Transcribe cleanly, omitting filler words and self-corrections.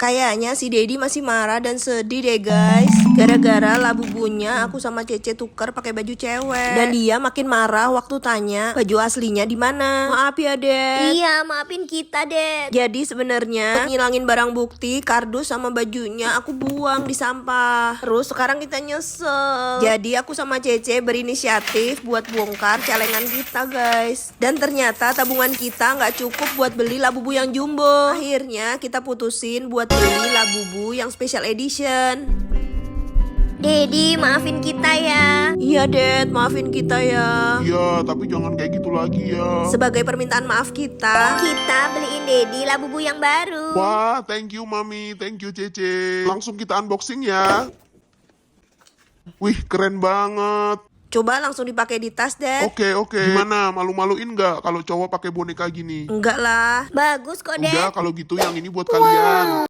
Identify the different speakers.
Speaker 1: Kayaknya si Dedi masih marah dan sedih deh guys. Gara-gara Labubunya aku sama Cece tukar pakai baju cewek. Dan dia makin marah waktu tanya baju aslinya di mana. Maaf ya Ded.
Speaker 2: Iya, maafin kita, Ded.
Speaker 1: Jadi sebenarnya ngilangin barang bukti, kardus sama bajunya aku buang di sampah. Terus sekarang kita nyesel. Jadi aku sama Cece berinisiatif buat bongkar celengan kita guys. Dan ternyata tabungan kita nggak cukup buat beli Labubu yang jumbo. Akhirnya kita putusin buat beli Labubu yang special edition.
Speaker 2: Dedi, maafin kita ya.
Speaker 1: Iya Ded, maafin kita ya.
Speaker 3: Iya, tapi jangan kayak gitu lagi ya.
Speaker 1: Sebagai permintaan maaf kita
Speaker 2: Beliin Dedi Labubu yang baru.
Speaker 3: Wah, thank you Mami, thank you Cece. Langsung kita unboxing ya. Wih, keren banget.
Speaker 1: coba langsung dipakai di tas Ded.
Speaker 3: Oke. Gimana, malu-maluin nggak kalau cowok pakai boneka gini?
Speaker 1: Enggak lah.
Speaker 2: Bagus kok, Ded.
Speaker 3: Udah, kalau gitu yang ini buat kalian.